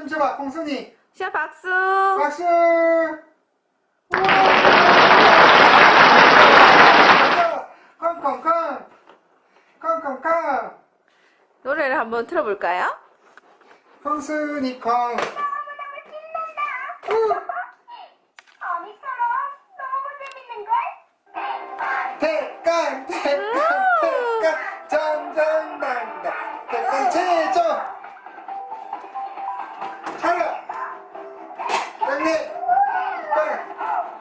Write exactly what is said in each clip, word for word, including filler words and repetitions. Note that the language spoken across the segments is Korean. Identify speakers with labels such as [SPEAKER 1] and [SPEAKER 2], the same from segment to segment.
[SPEAKER 1] 박수 쳐봐, 콩순이.
[SPEAKER 2] 시아 박수.
[SPEAKER 1] 박수. 콩콩콩. 콩콩콩.
[SPEAKER 2] 노래를 한번 틀어볼까요?
[SPEAKER 1] 콩순이 콩.
[SPEAKER 3] 어미처럼 너무 재밌는걸?
[SPEAKER 1] 대강, 대강, 대강. 정정당당. 대강 최조. 차려. 땡리. 깡.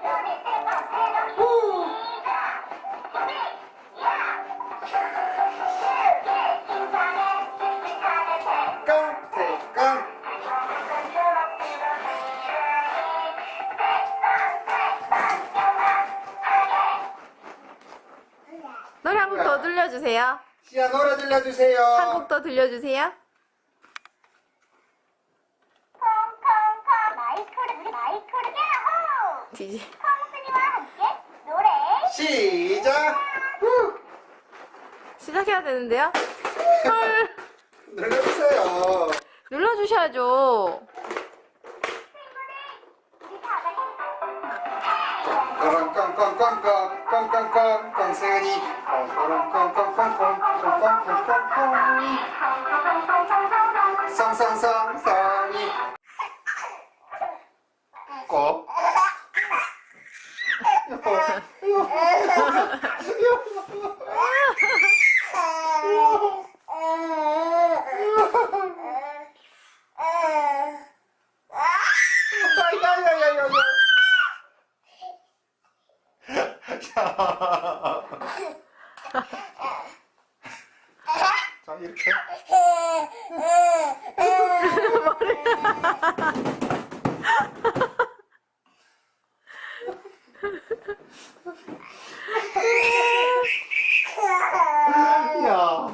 [SPEAKER 1] 후. 깡, 대강.
[SPEAKER 2] 노래 한 곡 더 들려주세요.
[SPEAKER 1] 시아 노래 들려주세요.
[SPEAKER 2] 한 곡 더 들려주세요.
[SPEAKER 3] 콩콩콩 마이크를 우리 마이크를 야호!
[SPEAKER 2] 지지.
[SPEAKER 3] 콩순이와 함께 노래
[SPEAKER 1] 시작. 후.
[SPEAKER 2] 시작해야 되는데요. 헐.
[SPEAKER 1] 눌러주세요.
[SPEAKER 2] 눌러주셔야죠.
[SPEAKER 3] 우리 다 같이
[SPEAKER 1] 꽁꽁꽁꽁꽁 꽁꽁꽁 꽁순이 꽁꽁꽁꽁꽁꽁꽁꽁꽁꽁 성성성성이 꼭 자 이렇게 야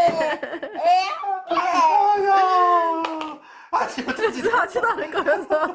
[SPEAKER 1] 아야 아침부터
[SPEAKER 2] 진짜 하지도 않을 거면서.